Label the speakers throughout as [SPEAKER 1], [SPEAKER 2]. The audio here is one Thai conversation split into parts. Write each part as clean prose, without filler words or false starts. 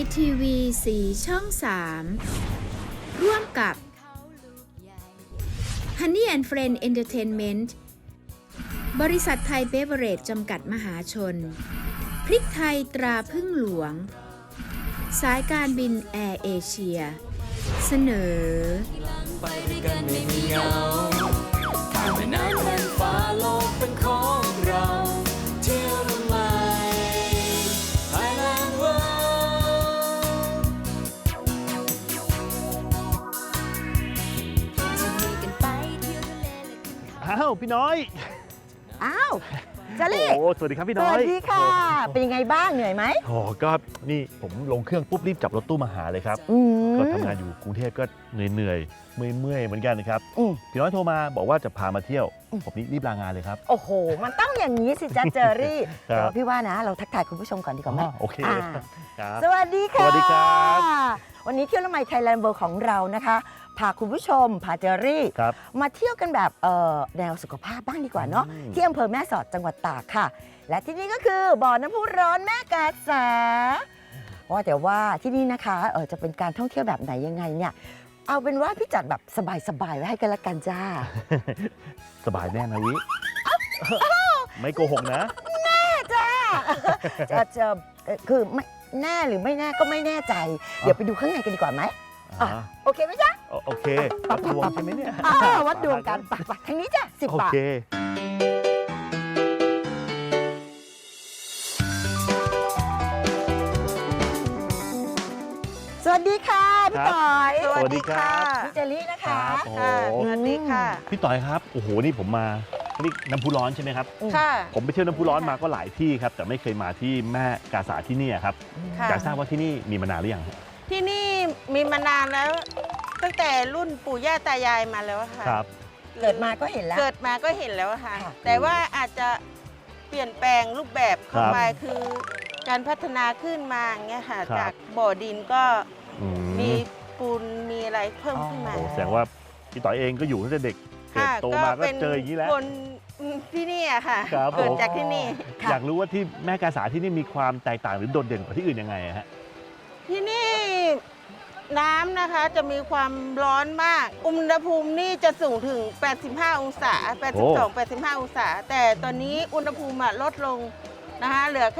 [SPEAKER 1] ทีวี4ช่อง3ร่วมกับ Honey and Friend Entertainment บริษัทไทยเบเวอเรจจำกัดมหาชนพริกไทยตราพึ่งหลวงสายการบินแอร์เอเชียเสนอ
[SPEAKER 2] ไปด้วยกันไม่มีเหงาข้ามแม่น้ำแผ่านฟ้าโลกเป็นของเราเที่ยวละไม Thailand World
[SPEAKER 3] จะมีกันไปเที่ยวทะเลและขึ้นเขา
[SPEAKER 4] อ้าวพี่น้อย
[SPEAKER 5] อ้าวจา
[SPEAKER 4] โอ้
[SPEAKER 5] ลี่
[SPEAKER 4] โหสวัสดีครับพี่
[SPEAKER 5] ส
[SPEAKER 4] น้อย
[SPEAKER 5] วัสดีค่ะ เป็นยังไงบ้างเหนื่อยไหม
[SPEAKER 4] โอ้ก็นี่ผมลงเครื่องปุ๊บรีบจับรถตู้มาหาเลยครับ
[SPEAKER 5] อืม
[SPEAKER 4] ก็ทำงานอยู่กรุงเทพก็เหนื่อยเมื่อยเหมือนกันนะครับ
[SPEAKER 5] อืม
[SPEAKER 4] พี่น้อยโทรมาบอกว่าจะพามาเที่ยวผมนี่รีบลางานเลยครับ
[SPEAKER 5] โอ้โห มันต้องอย่างนี้สิจ๊ะเจอรี่
[SPEAKER 4] ครับ
[SPEAKER 5] แต่ว่าพี่ว่านะ เราทักทายคุณผู้ชมก่อนดีกว่าไหม
[SPEAKER 4] โอเค
[SPEAKER 5] อ่า
[SPEAKER 4] ครับ
[SPEAKER 5] สวัสดีค่ะ
[SPEAKER 4] สวัสดีครับ
[SPEAKER 5] วันนี้เที่ยวละไมไทยแลนด์เวิลด์ของเรานะคะ พาคุณผู้ชม พาเจอรี่
[SPEAKER 4] ครับ
[SPEAKER 5] มาเที่ยวกันแบบแนวสุขภาพบ้างดีกว่าเนาะ
[SPEAKER 4] อืม
[SPEAKER 5] ที่อำเภอแม่สอดจังหวัดตากค่ะ และที่นี่ก็คือบ่อน้ำพุร้อนแม่กาสาว่าแต่ว่าที่นี่นะคะจะเป็นการท่องเที่ยวแบบไหนยังไงเนี่ย เอาเป็นว่าพี่จัดแบบสบายๆไว้ให้กันละกันจ้า
[SPEAKER 4] สบายแน่นะวิไม่โกหกนะ
[SPEAKER 5] จ้า คือไม่แน่หรือไม่แน่ก็ไม่แน่ใจ เดี๋ยวไปดูข้างในกันดีกว่าไหม
[SPEAKER 4] อ่า
[SPEAKER 5] โอเคไหมจ๊ะ
[SPEAKER 4] โอเควัดดวงใช่ไหมเนี่ย
[SPEAKER 5] วัดดวงกันไปทางนี้จ้ะ10
[SPEAKER 4] โอบ
[SPEAKER 5] าท
[SPEAKER 4] เค
[SPEAKER 5] สวัสดีค่ะพี่ต่อย
[SPEAKER 4] สวัสดีครับ
[SPEAKER 5] พี่เจลี่นะคะ
[SPEAKER 4] ครับโอ้โห
[SPEAKER 5] สวัสดีค่ะ
[SPEAKER 4] พี่ต่อยครับโอ้โหนี่ผมมานี่น้ำพุร้อนใช่ไหมครับ
[SPEAKER 6] ค่ะ
[SPEAKER 4] ผมไปเที่ยวน้ำพุร้อนมาก็หลายที่ครับแต่ไม่เคยมาที่แม่กาสาที่นี่ครับ
[SPEAKER 6] ค่ะ
[SPEAKER 4] อยากทราบว่าที่นี่มีมานานหรือยังครับ
[SPEAKER 6] ที่นี่มีมานานแล้ว ตั้งแต่รุ่นปู่ย่าตายายมาแล้วอะค่ะ
[SPEAKER 4] ครับ
[SPEAKER 5] เกิดมาก็เห็นแล้ว
[SPEAKER 6] เกิดมาก็เห็นแล้วอะค่ะ
[SPEAKER 5] ค่ะ
[SPEAKER 6] แต่ว่าอาจจะเปลี่ยนแปลงรูปแบบเข้า
[SPEAKER 4] ครับ
[SPEAKER 6] ไปคือการพัฒนาขึ้นมาอย่างเงี้ยค่ะ
[SPEAKER 4] ครับ
[SPEAKER 6] จากบ่อดินก็
[SPEAKER 4] อื
[SPEAKER 6] มีปูนมีอะไรเพิ่มขึ้นมา
[SPEAKER 4] โอ้แสดงว่าพี่ต่อยเองก็อยู่ตั้งแต่เด็กเกิด
[SPEAKER 6] ค่ะ
[SPEAKER 4] โตมาก็เจออย่างนี้แล้ว
[SPEAKER 6] คนที่นี่อะค่ะ
[SPEAKER 4] ครับ
[SPEAKER 6] เกิด
[SPEAKER 4] ผม
[SPEAKER 6] จากที่นี่
[SPEAKER 5] ค่ะ
[SPEAKER 4] อยากรู้ว่าที่แม่กาสาที่นี่มีความแตกต่างหรือโดดเด่นกว่าที่อื่นยังไงอะฮะ
[SPEAKER 6] ที่นี่น้ำนะคะจะมีความร้อนมาก อุณหภูมินี่จะสูงถึง 85 องศา 82-85 องศา แต่ตอนนี้อุณหภูมิลดลงนะคะเหลือแค่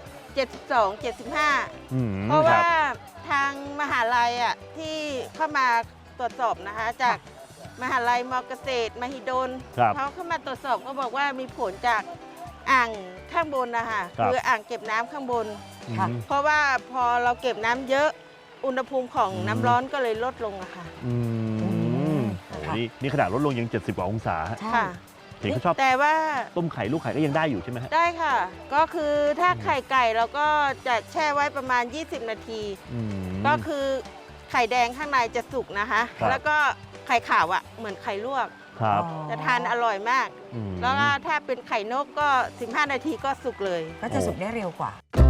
[SPEAKER 6] 72-75
[SPEAKER 4] อืม
[SPEAKER 6] เพราะ
[SPEAKER 4] ค
[SPEAKER 6] ว่า
[SPEAKER 4] บ
[SPEAKER 6] ทางมหาลัยที่เข้ามาตรวจสอบนะคะจากมหาลัยมอเกษตรมหิดล
[SPEAKER 4] ครับ
[SPEAKER 6] เขาเข้ามาตรวจสอบก็บอกว่ามีผลจากอ่างข้างบนนะคะ
[SPEAKER 4] ครับ
[SPEAKER 6] คืออ่างเก็บน้ำข้างบน
[SPEAKER 5] ค่ะ
[SPEAKER 6] เพราะว่าพอเราเก็บน้ำเยอะอุณหภูมิของน้ำร้อนก็เลยลดลงอะค่ะ
[SPEAKER 4] อืมโอ้นี่ขนาดลดลงยัง70 กว่าองศาฮะ
[SPEAKER 5] ใช่
[SPEAKER 6] ค่ะ
[SPEAKER 4] เห็นเขาชอบ
[SPEAKER 6] แต่ว่า
[SPEAKER 4] ต้มไข่ลูกไข่ก็ยังได้อยู่ใช่ไหมฮะ
[SPEAKER 6] ได้ค่ะ ก็คือถ้าไข่ไก่เราก็จะแช่ไว้ประมาณ 20 นาที
[SPEAKER 4] อืม
[SPEAKER 6] ก็คือไข่แดงข้างในจะสุกนะคะ
[SPEAKER 4] ครับ
[SPEAKER 6] แล้วก็ไข่ขาวอะเหมือนไข่ลวก
[SPEAKER 4] ครับ
[SPEAKER 6] จะทานอร่อยมาก
[SPEAKER 4] อืม
[SPEAKER 6] แล้วก็ถ้าเป็นไข่นกก็ 15 นาทีก็สุกเลย
[SPEAKER 5] ก็จะสุกได้เร็วกว่า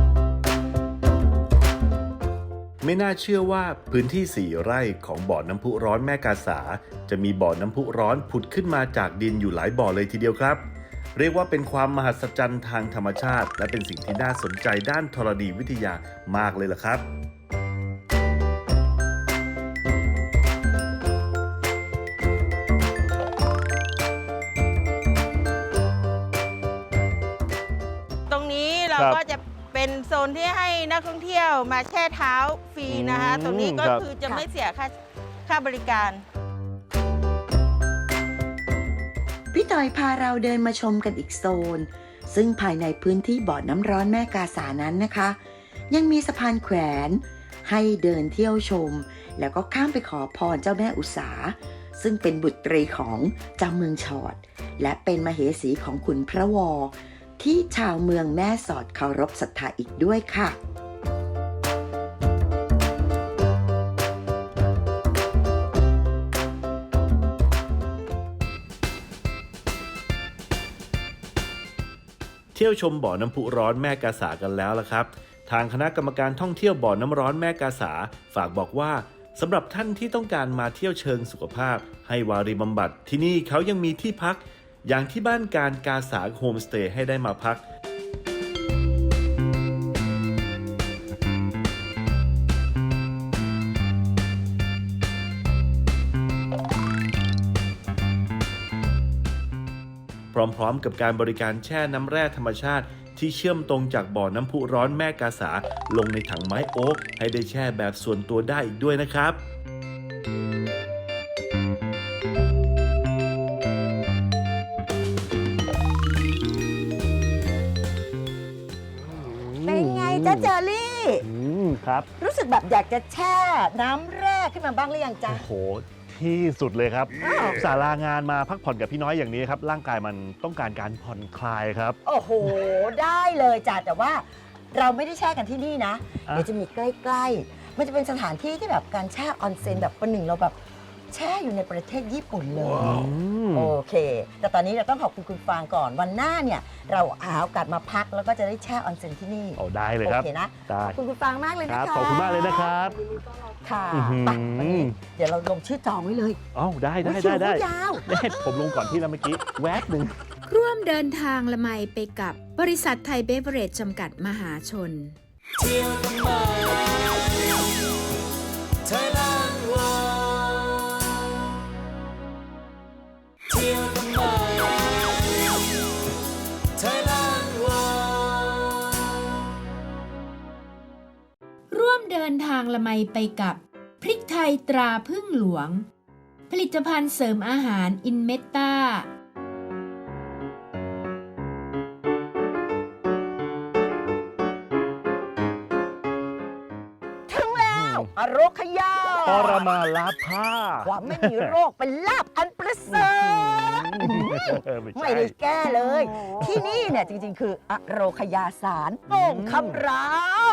[SPEAKER 7] ไม่น่าเชื่อว่าพื้นที่ 4 ไร่ของบ่อน้ำพุร้อนแม่กาสา จะมีบ่อน้ำพุร้อนผุดขึ้นมาจากดินอยู่หลายบ่อเลยทีเดียวครับ เรียกว่าเป็นความมหัศจรรย์ทางธรรมชาติ และเป็นสิ่งที่น่าสนใจด้านธรณีวิทยามากเลยล่ะครับ
[SPEAKER 6] ตรงนี้เรา
[SPEAKER 4] ครับ
[SPEAKER 6] ก็จะเป็นโซนที่ให้นักท่องเที่ยวมาแช่เท้าฟรีนะคะ
[SPEAKER 4] อืม
[SPEAKER 6] ตรงนี้ก็
[SPEAKER 4] ครับ
[SPEAKER 6] คือจะ
[SPEAKER 5] ค่ะ
[SPEAKER 6] ไม่เสียค่าบริการ
[SPEAKER 5] พี่ต่อยพาเราเดินมาชมกันอีกโซน ซึ่งภายในพื้นที่บ่อน้ำร้อนแม่กาสานั้นนะคะ ยังมีสะพานแขวนให้เดินเที่ยวชม แล้วก็ข้ามไปขอพรเจ้าแม่อุษา ซึ่งเป็นบุตรีของเจ้าเมืองชอด และเป็นมเหสีของขุนพระวอ ที่ชาวเมืองแม่สอดเคารพศรัทธาอีกด้วยค่ะ
[SPEAKER 7] เที่ยวชมบ่อน้ำพุร้อนแม่กาสากันแล้วล่ะครับ ทางคณะกรรมการท่องเที่ยวบ่อน้ำร้อนแม่กาสาฝากบอกว่าสำหรับท่านที่ต้องการมาเที่ยวเชิงสุขภาพ ให้วารีบำบัดที่นี่เขายังมีที่พัก อย่างที่บ้านการกาสาโฮมสเตย์ให้ได้มาพักพร้อมๆกับการบริการแช่น้ำแร่ธรรมชาติที่เชื่อมตรงจากบ่อน้ำพุร้อนแม่กาสาลงในถังไม้โอ๊กให้ได้แช่แบบส่วนตัวได้อีกด้วยนะครับ
[SPEAKER 5] เป็นไงจ๊ะเจอรี่
[SPEAKER 4] ครับ
[SPEAKER 5] รู้สึกแบบอยากจะแช่น้ำแร่ขึ้นมาบ้างหรือยังจ๊ะ
[SPEAKER 4] โอ้โห ที่สุดเลยครับสารางานมาพักผ่อนกับพี่น้อยอย่างนี้ครับ ร่างกายมันต้องการการผ่อนคลายครับ
[SPEAKER 5] โอ้โห ได้เลยจ้ะแต่ว่าเราไม่ได้แช่กันที่นี่นะ
[SPEAKER 4] อ่ะ
[SPEAKER 5] เดี๋ยวจะมีใกล้ๆ มันจะเป็นสถานที่ที่แบบการแช่ออนเซ็นแบบประหนึ่งเราแบบแช่อยู่ในประเทศญี่ปุ่นเลย โอเค แต่ตอนนี้เราต้องขอบคุณคุณฟางก่อนวันหน้าเนี่ย เราหาโอกาสมาพักแล้วก็จะได้แช่ออนเซ็นที่นี่
[SPEAKER 4] เอาได้เลยครับ
[SPEAKER 5] โอเคนะ
[SPEAKER 4] ได้
[SPEAKER 5] ขอบคุณคุณฟางมากเลย
[SPEAKER 4] ค
[SPEAKER 5] นะ
[SPEAKER 4] รับ
[SPEAKER 5] คะ
[SPEAKER 4] ขอบคุณมากเลยนะครับ
[SPEAKER 5] ค่ะ
[SPEAKER 4] อื้อหือ
[SPEAKER 5] ไปวันนี้เดี๋ยวเราลงชื่อจองไว้เลย
[SPEAKER 4] เอ้าได้ได้
[SPEAKER 5] โอ้ย
[SPEAKER 4] ได้ได้
[SPEAKER 5] คิวเขายาว
[SPEAKER 4] เนี่ยผมลงก่อนพี่แล้วเมื่อกี้แวบหนึ่ง
[SPEAKER 1] ร่วมเดินทางละไมไปกับบริษัทไทยเบเวอเรจจำกัดมหาชน
[SPEAKER 2] เที่ยวทำไม Thailand World เที่ยวทำไม Thailand World
[SPEAKER 1] ร่วมเดินทางละไมไปกับพริกไทยตราพึ่งหลวง ผลิตภัณฑ์เสริมอาหารอินเมตตา
[SPEAKER 5] ถึงแล้วอโรคยา
[SPEAKER 4] ปรมาลาภา
[SPEAKER 5] ความไม่มีโรคเป็นลาบอันประเสริฐ ไม่ได้แก้เลย ที่นี่เนี่ยจริงๆ คืออโรคยาสารโป่งคำราม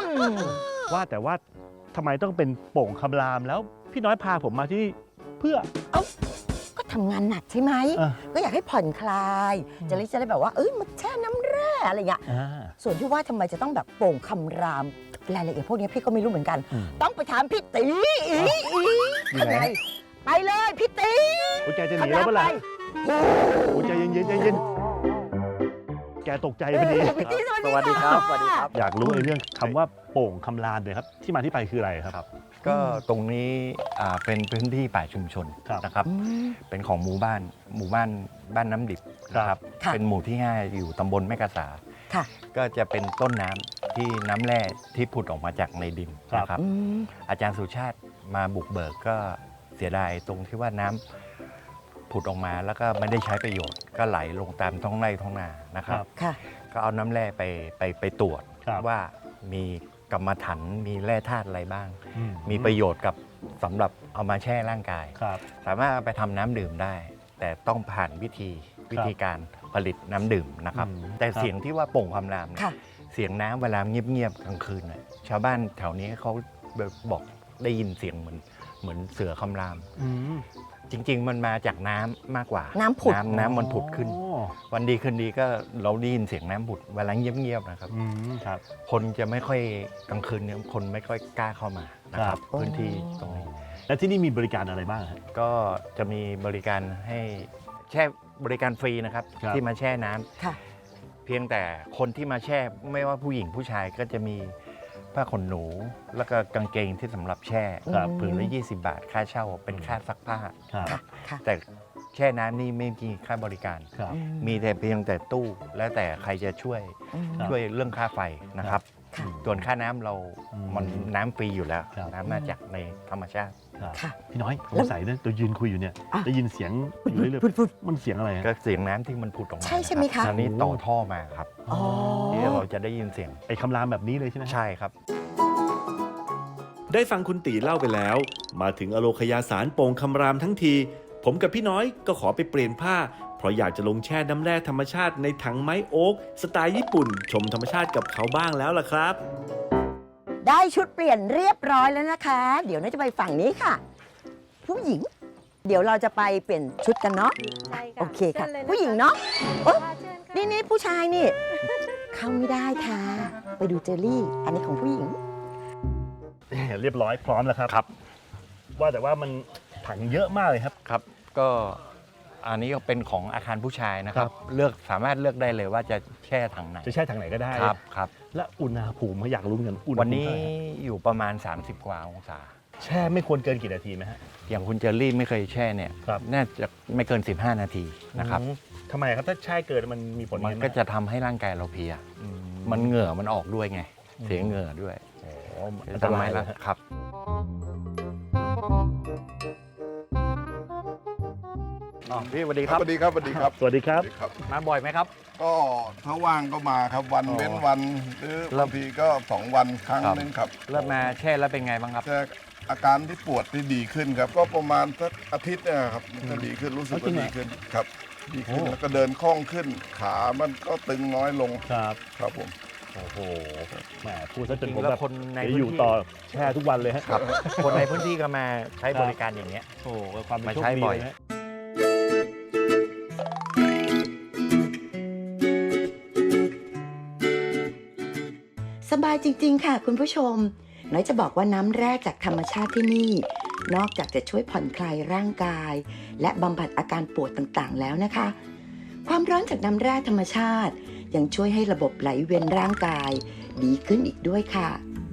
[SPEAKER 4] ว่าแต่ว่าทำไมต้องเป็นโป่งคำรามแล้วพี่น้อยพาผมมาที่นี่เพื่อ
[SPEAKER 5] ก็ทำงานหนักใช่ไหม
[SPEAKER 4] อ่ะ
[SPEAKER 5] ก็อยากให้ผ่อนคลายจะได้แบบว่ามาแช่น้ำแร่อะไรอย่างเงี้ย
[SPEAKER 4] อ่า
[SPEAKER 5] ส่วนที่ว่าทำไมจะต้องแบบโป่งคำรามรายละเอียดพวกนี้พี่ก็ไม่รู้เหมือนกัน
[SPEAKER 4] อืม
[SPEAKER 5] ต้องไปถามพี่ตีข้างในไปเลยพี่ตี
[SPEAKER 4] โอ้ยแกจะหนีแล้วเมื่อไหร่โอ้ยใจเย็นๆใจเย็นแกตกใจพอดี
[SPEAKER 5] พี่ตีสวัสดี
[SPEAKER 8] สวัสดีครับ
[SPEAKER 4] อยากรู้ในเรื่องคำว่าโป่งคำรามเลยครับ ที่มาที่ไปคืออะไรครับ
[SPEAKER 8] ก็ตรงนี้เป็นพื้นที่ป่าชุมชน
[SPEAKER 4] ครับ
[SPEAKER 8] นะครับ เป็นของหมู่บ้านบ้านน้ำดิบนะครับ
[SPEAKER 5] ค่ะ
[SPEAKER 8] เป็นหมู่ที่ 5 อยู่ตำบลแม่กาสา
[SPEAKER 5] ค่ะ
[SPEAKER 8] ก็จะเป็นต้นน้ำที่น้ำแร่ที่ผุดออกมาจากในดิน
[SPEAKER 4] ครับ
[SPEAKER 8] นะครับ อาจารย์สุชาติมาบุกเบิกก็เสียดายตรงที่ว่าน้ำผุดออกมาแล้วก็ไม่ได้ใช้ประโยชน์ ก็ไหลลงตามท้องไร่ท้องนานะครับ
[SPEAKER 5] ค่ะ
[SPEAKER 8] ก็เอาน้ำแร่ไปตรวจ
[SPEAKER 4] ครับ
[SPEAKER 8] ว่ามีกรรมฐานมีแร่ธาตุอะไรบ้าง
[SPEAKER 4] อื
[SPEAKER 8] มีประโยชน์กับสำหรับเอามาแช่ร่างกาย
[SPEAKER 4] ครับ
[SPEAKER 8] สามารถเอาไปทำน้ำดื่มได้ แต่ต้องผ่านวิธีการผลิตน้ำดื่มนะครับ
[SPEAKER 4] อืม
[SPEAKER 8] แต่
[SPEAKER 4] ครับ
[SPEAKER 8] เสียงที่ว่าโป่งคำรามเนี่ย
[SPEAKER 5] ค่ะ
[SPEAKER 8] เสียงน้ำเวลาเงียบๆกลางคืนน่ะชาวบ้านแถวนี้เขาบอกได้ยินเสียงเหมือนเสือคำราม
[SPEAKER 4] อืม
[SPEAKER 8] จริง ๆ มันมาจากน้ำมากกว่า
[SPEAKER 5] น้ำผุด
[SPEAKER 8] น้ำมันผุดขึ้น
[SPEAKER 4] อ๋อ
[SPEAKER 8] วันดีคืนดีก็เราได้ยินเสียงน้ำผุดเวลาเงียบๆนะครับ
[SPEAKER 4] อืมครับ
[SPEAKER 8] คนจะไม่ค่อยกลางคืนเนี่ยคนไม่ค่อยกล้าเข้ามานะค
[SPEAKER 4] ครั
[SPEAKER 8] รับ บ พื้นที่ตรงนี้
[SPEAKER 4] แล้วที่นี่มีบริการอะไรบ้างครับ
[SPEAKER 8] ก็จะมีบริการให้แช่บริการฟรีนะครับ
[SPEAKER 4] ครับ
[SPEAKER 8] ที่มาแช่น้ำ
[SPEAKER 5] ค่ะ
[SPEAKER 8] เพียงแต่คนที่มาแช่ไม่ว่าผู้หญิงผู้ชายก็จะมีผ้าขนหนู แล้วก็กางเกงที่สำหรับแช่
[SPEAKER 5] ครับ
[SPEAKER 8] ผืนละ20 บาทค่าเช่าเป็นค่าซักผ้า
[SPEAKER 4] ครับ
[SPEAKER 5] ค่ะ ค่ะ
[SPEAKER 8] แต่แช่น้ำนี่ไม่มีค่าบริการ
[SPEAKER 4] ครับ
[SPEAKER 8] มีแต่เพียงแต่ตู้แล้วแต่ใครจะช่วย
[SPEAKER 4] ครับ
[SPEAKER 8] ช่วยเรื่องค่าไฟนะครับ
[SPEAKER 5] ค่ะ
[SPEAKER 8] ส่วนค่าน้ำเรา
[SPEAKER 4] อืม
[SPEAKER 8] มันน้ำฟรีอยู่แล้ว
[SPEAKER 4] ครับ
[SPEAKER 8] น้ำมาจากในธรรมชาติ
[SPEAKER 4] ครับ
[SPEAKER 5] ค่ะ
[SPEAKER 4] พี่น้อยส
[SPEAKER 5] แล้
[SPEAKER 4] ง
[SPEAKER 5] ว
[SPEAKER 4] สัยนะตัวยืนคุยอยู่เนี่ย
[SPEAKER 5] อ่ะ
[SPEAKER 4] ได้ยินเสียงอยู่เรื่อย
[SPEAKER 5] ฟุด
[SPEAKER 4] ๆมันเสียงอะไรฮะ
[SPEAKER 8] ก็เสียงน้ำที่มันผุดออกมา
[SPEAKER 5] ใช่ใช่ไหมคะ
[SPEAKER 8] รับอันนี้ต่อท่อมาครับ
[SPEAKER 5] อ๋อ
[SPEAKER 8] ที่เราจะได้ยินเสียง
[SPEAKER 4] ไอ้คำรามแบบนี้เลยใช่ไหม
[SPEAKER 8] ใช่ครับ
[SPEAKER 7] ได้ฟังคุณตีเล่าไปแล้ว มาถึงอโลคยาสารโป่งคำรามทั้งที ผมกับพี่น้อยก็ขอไปเปลี่ยนผ้า เพราะอยากจะลงแช่น้ำแร่ธรรมชาติในถังไม้โอ๊กสไตล์ญี่ปุ่น ชมธรรมชาติกับเขาบ้างแล้วล่ะครับ
[SPEAKER 5] ได้ชุดเปลี่ยนเรียบร้อยแล้วนะคะ เดี๋ยวน่าจะไปฝั่งนี้ค่ะ ผู้หญิง เดี๋ยวเราจะไปเปลี่ยนชุดกันเนาะ
[SPEAKER 3] ใช่ค่ะ
[SPEAKER 5] โอเคค่ะ
[SPEAKER 3] ชิญลยน
[SPEAKER 5] ผู้หญิงเนาะเอ้ย
[SPEAKER 3] ค่ะเชิญค่ะ
[SPEAKER 5] นี่ผู้ชายนี่ เข้าไม่ได้ค่ะ ไปดูเจอรี่ อันนี้ของผู้หญิง
[SPEAKER 4] เรียบร้อยพร้อมแล้วครับ
[SPEAKER 8] ครับ
[SPEAKER 4] ว่าแต่ว่ามันถังเยอะมากเลยครับ
[SPEAKER 8] ครับ ก็อันนี้ก็เป็นของอาคารผู้ชายนะครั
[SPEAKER 4] ครับ บ
[SPEAKER 8] สามารถเลือกได้เลยว่าจะแช่ถังไหน
[SPEAKER 4] จะแช่ถังไหนก็ได้
[SPEAKER 8] ครับครับ
[SPEAKER 4] และอุณหภูมิอยากรู้เหมือนกันอุณหภูมิ
[SPEAKER 8] วันนี้
[SPEAKER 4] เท่าไหร่ฮะ
[SPEAKER 8] อยู่ประมาณ 30 กว่าองศา
[SPEAKER 4] แช่ไม่ควรเกินกี่นาทีไหมฮะ
[SPEAKER 8] อย่างคุณเจอรี่ไม่เคยแช่เนี่ย
[SPEAKER 4] ครับ
[SPEAKER 8] น่าจะไม่เกิน 15 นาทีนะครับ
[SPEAKER 4] อืมทำไมครับถ้าแช่เกินมันมีผล
[SPEAKER 8] มันก็จะทำให้ร่างกายเราเพลีย มันเหงื่อมันออกด้วยไง เสียเหงื่อด้วย
[SPEAKER 4] อันต
[SPEAKER 8] ทำ
[SPEAKER 4] รา
[SPEAKER 8] ให้
[SPEAKER 4] ย
[SPEAKER 8] ละ
[SPEAKER 4] นะ
[SPEAKER 8] ครับ พี่สวัสดีครับ
[SPEAKER 9] สวัสดีครับสวัสดีครับ
[SPEAKER 4] สวัสดีครับ
[SPEAKER 9] สวัสดีครับ
[SPEAKER 8] มาบ่อยไหมครับ
[SPEAKER 9] ก็ถ้าว่างก็มาครับวัน
[SPEAKER 8] อ๋อ
[SPEAKER 9] เว้นวันหรือ
[SPEAKER 8] แล้ว
[SPEAKER 9] บางทีก็2 วันครั้ง
[SPEAKER 8] ครับ
[SPEAKER 9] นึงครับ
[SPEAKER 8] เริ่มมาแช่แล้วเป็นไงบ้างครับ
[SPEAKER 9] แต่อาการที่ปวดที่ดีขึ้นครับ ก็ประมาณสักอาทิตย์เนะครับมันก็ดีขึ้นรู้สึก
[SPEAKER 4] จริ
[SPEAKER 9] ว่าง
[SPEAKER 4] เหรอ
[SPEAKER 9] ดีขึ้นครับ ดีขึ้น
[SPEAKER 4] โอ้
[SPEAKER 9] แล้วก็เดินคล่องขึ้น ขามันก็ตึงน้อยลง
[SPEAKER 4] ครับ
[SPEAKER 9] ครับผม
[SPEAKER 4] โอ้โหแหมพูดซะจนผม
[SPEAKER 8] แล้
[SPEAKER 4] แบ
[SPEAKER 8] ว
[SPEAKER 4] บ
[SPEAKER 8] คนใน
[SPEAKER 4] เดี๋ยวอยู่
[SPEAKER 8] พื้นที่
[SPEAKER 4] ต่อแช่ทุกวันเลยฮะ
[SPEAKER 8] ครับ คนในพื้นที่ก็มาใช้บริการอย่างเงี้ย
[SPEAKER 4] โอ้โหความเป็น
[SPEAKER 8] มา
[SPEAKER 4] โชค
[SPEAKER 8] ใช้
[SPEAKER 4] ดี
[SPEAKER 8] บ่อย
[SPEAKER 4] เลยฮะ
[SPEAKER 5] สบายจริงๆ ค่ะคุณผู้ชม น้อยจะบอกว่าน้ำแร่จากธรรมชาติที่นี่ นอกจากจะช่วยผ่อนคลายร่างกาย และบำบัดอาการปวดต่างๆ แล้วนะคะ ความร้อนจากน้ำแร่ธรรมชาติยังช่วยให้ระบบไหลเวียนร่างกายดีขึ้นอีกด้วยค่ะ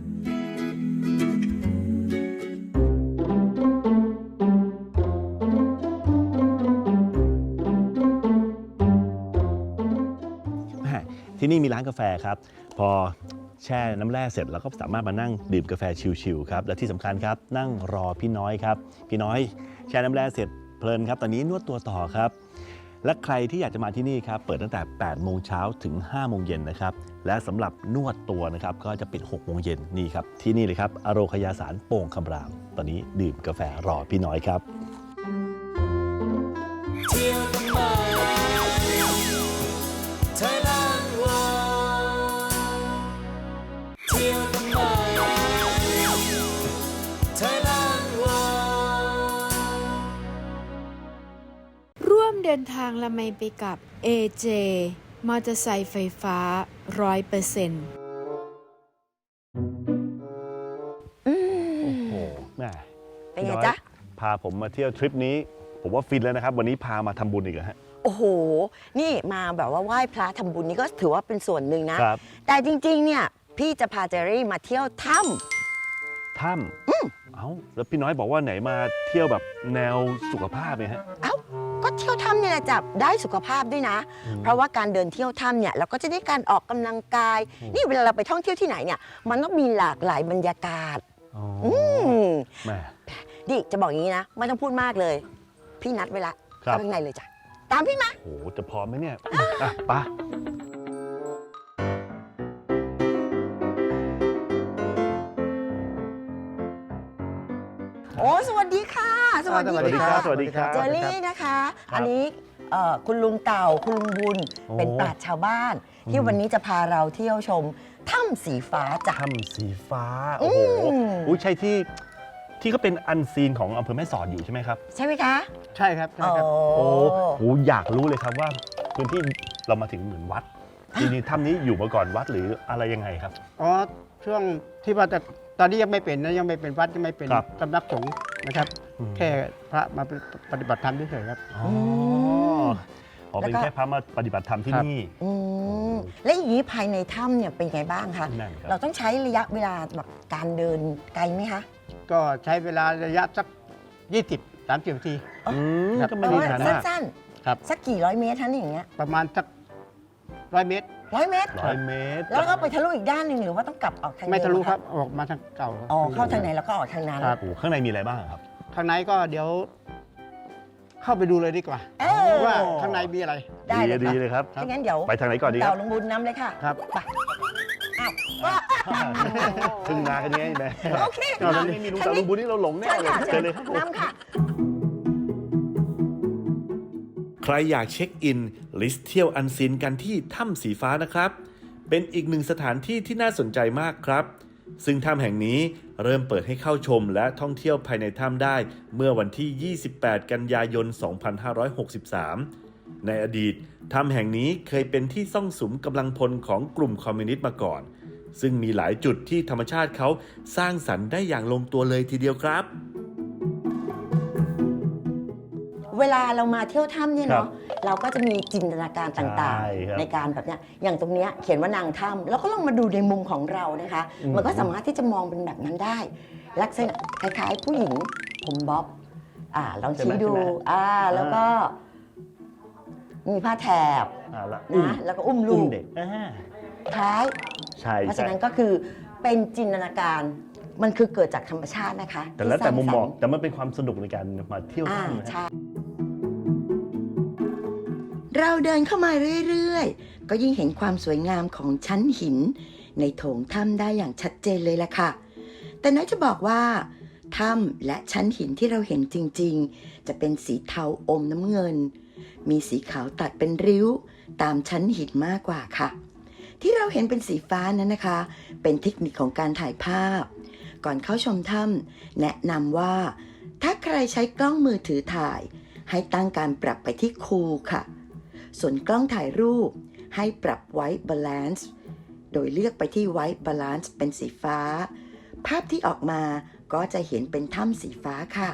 [SPEAKER 4] ที่นี่มีร้านกาแฟครับ พอแช่น้ำแร่เสร็จเราก็สามารถมานั่งดื่มกาแฟชิลๆครับและที่สำคัญครับนั่งรอพี่น้อยครับพี่น้อยแช่น้ำแร่เสร็จเพลินครับตอนนี้นวดตัวต่อครับและใครที่อยากจะมาที่นี่ครับเปิดตั้งแต่8โมงเช้าถึง5โมงเย็นนะครับและสำหรับนวดตัวนะครับก็จะปิด6โมงเย็นนี่ครับที่นี่เลยครับอโรคยาสารโป่งคำรามตอนนี้ดื่มกาแฟรอพี่น้อยครับ
[SPEAKER 2] เที่ยวทำไม Thailand World เที่ยวทำไม Thailand World
[SPEAKER 1] ร่วมเดินทางละไมไปกับ AJ มอเตอร์ไซค์ไฟฟ้า 100%
[SPEAKER 4] โอ้โหแม่
[SPEAKER 10] เป็นไง
[SPEAKER 4] พี่อย
[SPEAKER 10] จ๊ะ
[SPEAKER 4] พาผมมาเที่ยวทริปนี้ ผมว่าฟินแล้วนะครับ วันนี้พามาทำบุญอีกเหรอฮะ
[SPEAKER 10] โอ้โห นี่มาแบบว่าไหว้พระทำบุญนี่ก็ถือว่าเป็นส่วนหนึ่งนะ
[SPEAKER 4] ครับ
[SPEAKER 10] แต่จริงๆ เนี่ย พี่จะพาเจอรี่มาเที่ยวถ้
[SPEAKER 4] ถ้ำเอ้าแล้วพี่น้อยบอกว่าไหนมาเที่ยวแบบแนวสุขภาพเนี่ยฮะ
[SPEAKER 10] ำเอ้า ก็เที่ยวถ้ำเนี่ยแหละจับได้สุขภาพด้วยนะ เพราะว่าการเดินเที่ยวถ้ำเนี่ยเราก็จะได้การออกกำลังกาย นี่เวลาเราไปท่องเที่ยวที่ไหนเนี่ย มันต้องมีหลากหลายบรรยากาศ
[SPEAKER 4] อ๋อ
[SPEAKER 10] ม
[SPEAKER 4] แม่
[SPEAKER 10] ดิจะบอกอย่างนี้นะ ไม่ต้องพูดมากเลย พี่นัดไว้ละ
[SPEAKER 4] ครับ
[SPEAKER 10] เข้าข้างในเลยจ้ะ ตามพี่มา
[SPEAKER 4] โหจะพร้อมไหมเนี่ยอ่ะไปะ
[SPEAKER 10] โอ้สวัสดีค่ะ สวัสดี
[SPEAKER 4] สวัสดีค
[SPEAKER 10] ค่ะ
[SPEAKER 4] รับสวัสดีครับ
[SPEAKER 10] เจอรี่นะคะ
[SPEAKER 4] ครับ
[SPEAKER 10] อันนี้คุณลุงเต่าคุณลุงบุญ
[SPEAKER 4] โอ้
[SPEAKER 10] เป็นปราชญ์ชาวบ้าน ที่วันนี้จะพาเราเที่ยวชมถ้ำสีฟ้าจ้ะ
[SPEAKER 4] ถ้ำสีฟ้า โอ้โห
[SPEAKER 10] อืม
[SPEAKER 4] อุ้ยใช่ที่ก็เป็นอันซีนของอำเภอแม่สอดอยู่ใช่ไหมครับ
[SPEAKER 10] ใช่ไหมคะ
[SPEAKER 11] ใช่ครับใช่ครับ
[SPEAKER 4] โอ้โหอยากรู้เลยครับว่าพื้นที่เรามาถึงเหมือนวัดจริงๆถ้ำนี้อยู่มาก่อนวัดหรืออะไรยังไงครับ
[SPEAKER 11] อ๋อช่วงที่ว่าจะตอนนี้ยังไม่เป็นนะยังไม่เป็นวัดยังไม่เป็น
[SPEAKER 4] ครับ
[SPEAKER 11] สำนักสงฆ์นะครับ
[SPEAKER 4] อืม
[SPEAKER 11] แค่พระมาปฏิบัติธรรมเฉยๆครับ
[SPEAKER 4] อ๋ออ๋อเป็น
[SPEAKER 10] แล้วก็
[SPEAKER 4] แค่พระมาปฏิบัติธรรมที่
[SPEAKER 11] ครับ
[SPEAKER 4] นี่
[SPEAKER 10] อืมและอย่างนี้ภายในถ้ำเนี่ยเป็นไงบ้างคะ
[SPEAKER 4] นั่นครับ
[SPEAKER 10] เราต้องใช้ระยะเวลาแบบการเดินไกลไหมคะ
[SPEAKER 11] ก็ใช้เวลาระยะสัก 20-30 นาที
[SPEAKER 4] อืม
[SPEAKER 11] ครับ
[SPEAKER 4] ก็ไม่ได้นานมาก
[SPEAKER 10] สั้น
[SPEAKER 11] ครับ
[SPEAKER 10] ๆ สักกี่ร้อยเมตรท่านอย่างเงี้ย
[SPEAKER 11] ประมาณสัก100 เมตร
[SPEAKER 10] 100 เมตร
[SPEAKER 4] 100 เมตร
[SPEAKER 10] แล้วก็ไปทะลุอีกด้านหนึ่งหรือว่าต้องกลับออกทางเดิ
[SPEAKER 11] ไม่ทะลุ
[SPEAKER 10] เหอ
[SPEAKER 11] ครับออกมาทางเก่า
[SPEAKER 10] อ๋อเข้าทางไหนแล้วก็ออกทางนั้น
[SPEAKER 11] ครับ
[SPEAKER 4] โอ้โหข้างในมีอะไรบ้างครับ
[SPEAKER 11] ข้างในก็เดี๋ยว เข้าไปดูเลยดีกว่า
[SPEAKER 10] เออ
[SPEAKER 11] ว่าข้างในมีอะไร
[SPEAKER 10] ได้เลย
[SPEAKER 4] ดี
[SPEAKER 10] ค่ะ
[SPEAKER 4] เลยครับ
[SPEAKER 10] ถ้างั้นเดี๋ยว
[SPEAKER 4] ไปทางไหนก่อนดีค
[SPEAKER 10] เต่า
[SPEAKER 4] รับ
[SPEAKER 10] ลุงบุญนำเลยค่ะ
[SPEAKER 11] ครับ
[SPEAKER 10] ไปอ้าวว่า
[SPEAKER 4] พึ่งนากันยังไงแม่
[SPEAKER 10] โอเค
[SPEAKER 4] ถ้าไม่มีลุงตาลุงบุญนี่เราหลงแน่
[SPEAKER 10] ใช่
[SPEAKER 4] เลย
[SPEAKER 10] ค่ะ
[SPEAKER 4] เจอเลยครับผม
[SPEAKER 10] นำค่ะ
[SPEAKER 7] ใครอยากเช็คอิน ลิสต์เที่ยวอันซีนกันที่ถ้ำสีฟ้านะครับ เป็นอีกหนึ่งสถานที่ที่น่าสนใจมากครับ ซึ่งถ้ำแห่งนี้เริ่มเปิดให้เข้าชมและท่องเที่ยวภายในถ้ำได้เมื่อวันที่ 28 กันยายน 2563 ในอดีตถ้ำแห่งนี้เคยเป็นที่ซ่องสุมกำลังพลของกลุ่มคอมมิวนิสต์มาก่อน ซึ่งมีหลายจุดที่ธรรมชาติเขาสร้างสรรค์ได้อย่างลงตัวเลยทีเดียวครับ
[SPEAKER 10] เวลาเรามาเที่ยวถ้ำเนี่ย
[SPEAKER 4] ครับ
[SPEAKER 10] เนาะเราก็จะมีจินตนาการต่าง
[SPEAKER 4] ใช่ครับ
[SPEAKER 10] ๆ ในการแบบเนี้ยอย่างตรงเนี้ยเขียนว่านางถ้ำแล้วก็ลองมาดูในมุมของเรานะคะ มันก็สามารถที่จะมองเป็นแบบนั้นได้ ลักษณะคล้ายๆ ผู้หญิงผมบ๊อบลองชี้ดู
[SPEAKER 4] ใช่ไหม
[SPEAKER 10] แล้วก็มีผ้าแถบ
[SPEAKER 4] ละ
[SPEAKER 10] นะแล้วก็อุ้มลูก
[SPEAKER 4] เด็ก
[SPEAKER 10] คล้าย
[SPEAKER 4] ใช่
[SPEAKER 10] เพราะฉะนั้นก็คือเป็นจินตนาการมันคือเกิดจากธรรมชาตินะคะ
[SPEAKER 4] แต่แล้วแต่มุมมอง
[SPEAKER 10] ที่สร้าสรรค์
[SPEAKER 4] แต่มันเป็นความสนุกในการมาเที่ยวถ้ำนะ
[SPEAKER 10] ใช่
[SPEAKER 5] เราเดินเข้ามาเรื่อยๆ ก็ยิ่งเห็นความสวยงามของชั้นหิน ในโถงถ้ำได้อย่างชัดเจนเลยล่ะค่ะ แต่น้อยจะบอกว่าถ้ำและชั้นหินที่เราเห็นจริงๆ จะเป็นสีเทาอมน้ำเงิน มีสีขาวตัดเป็นริ้วตามชั้นหินมากกว่าค่ะ ที่เราเห็นเป็นสีฟ้านั้นนะคะ เป็นเทคนิคของการถ่ายภาพ ก่อนเข้าชมถ้ำแนะนำว่า ถ้าใครใช้กล้องมือถือถ่าย ให้ตั้งการปรับไปที่คูลค่ะ ส่วนกล้องถ่ายรูปให้ปรับ White Balance โดยเลือกไปที่ White Balance เป็นสีฟ้า ภาพที่ออกมาก็จะเห็นเป็นถ้ำสีฟ้าค่ะ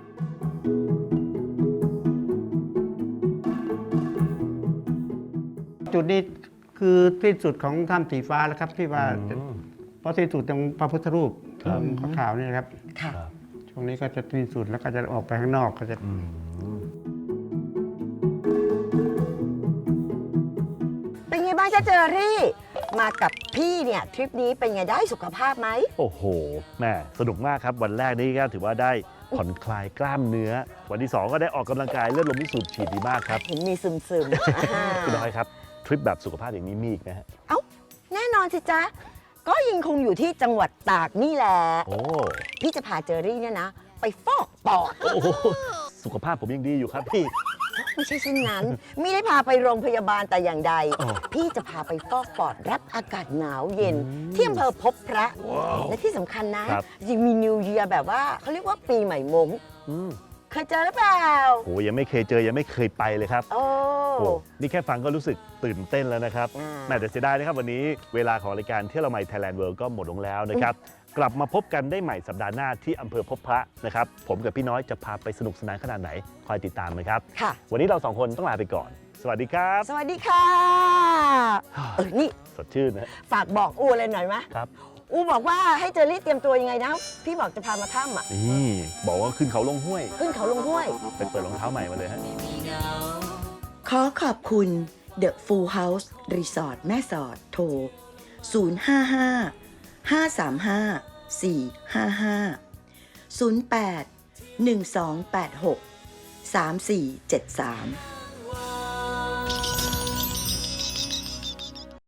[SPEAKER 11] จุดนี้คือที่สุดของถ้ำสีฟ้าแล้วครับที่ว่าเพราะที่สุดตรงพระพุทธรูปขาวๆนี่นะครับ
[SPEAKER 10] ค่ะ
[SPEAKER 11] ช่วงนี้ก็จะที่สุดแล้วก็จะออกไปข้างนอกก็จะ
[SPEAKER 10] เป็นไงบ้างจ๊ะเจอรี่ มากับพี่เนี่ยทริปนี้เป็นไงได้สุขภาพไหม
[SPEAKER 4] โอ้โหแม่สนุกมากครับ วันแรกนี่ก็ถือว่าได้ผ่อนคลายกล้ามเนื้อ วันที่ 2 ก็ได้ออกกำลังกายเลือดลมที่สูบฉีดดีมากครับ
[SPEAKER 10] เห็นมีซึม
[SPEAKER 4] คุณน้อยครับ ทริปแบบสุขภาพอย่างนี้มีอีกไหมฮะ
[SPEAKER 10] เอ้า แน่นอนสิจ๊ะ ก็ยังคงอยู่ที่จังหวัดตากนี่แหละ
[SPEAKER 4] โอ้
[SPEAKER 10] พี่จะพาเจอรี่เนี่ยนะ ไปฟอกปอด
[SPEAKER 4] โอ้โหสุขภาพผมยังดีอยู่ครับพี่
[SPEAKER 10] ไม่ใช่เช่นนั้น ไม่ได้พาไปโรงพยาบาลแต่อย่างใด
[SPEAKER 4] อ๋อ
[SPEAKER 10] พี่จะพาไปฟอกปอดรับอากาศหนาวเย็น ที่อำเภอพบพระ และที่สำคัญนะยังมีนิวเยียร์แบบว่าเขาเรียกว่าปีใหม่มง
[SPEAKER 4] อืม
[SPEAKER 10] เคยเจอหรือเปล่า
[SPEAKER 4] โหยังไม่เคยเจอยังไม่เคยไปเลยครับ
[SPEAKER 10] โอ้
[SPEAKER 4] โอ้นี่แค่ฟังก็รู้สึกตื่นเต้นแล้วนะครับ แม่แต่เสียดายนะครับวันนี้เวลาของรายการเที่ยวละไม Thailand World ก็หมดลงแล้วนะครับ กลับมาพบกันได้ใหม่สัปดาห์หน้าที่อำเภอพบพระนะครับ ผมกับพี่น้อยจะพาไปสนุกสนานขนาดไหน คอยติดตามนะครับ
[SPEAKER 10] ค่ะ
[SPEAKER 4] วันนี้เราสองคนต้องลาไปก่อน สวัสดีครับ
[SPEAKER 10] สวัสดีค่ะนี่
[SPEAKER 4] สดชื่นนะ
[SPEAKER 10] ฝากบอกอูเลยหน่อยไหม
[SPEAKER 4] ครับ
[SPEAKER 10] อูบอกว่าให้เจอรี่เตรียมตัวยังไงนะ พี่บอกจะพามาถ้ำอ่ะ
[SPEAKER 4] นี่บอกว่าขึ้นเขาลงห้วย
[SPEAKER 10] ขึ้นเขาลงห้วย
[SPEAKER 4] ไปเปิดรองเท้าใหม่มาเลยฮะ
[SPEAKER 5] ขอขอบคุณ The Full House Resort แม่สอดโทร 055 535 455 08 1286 3473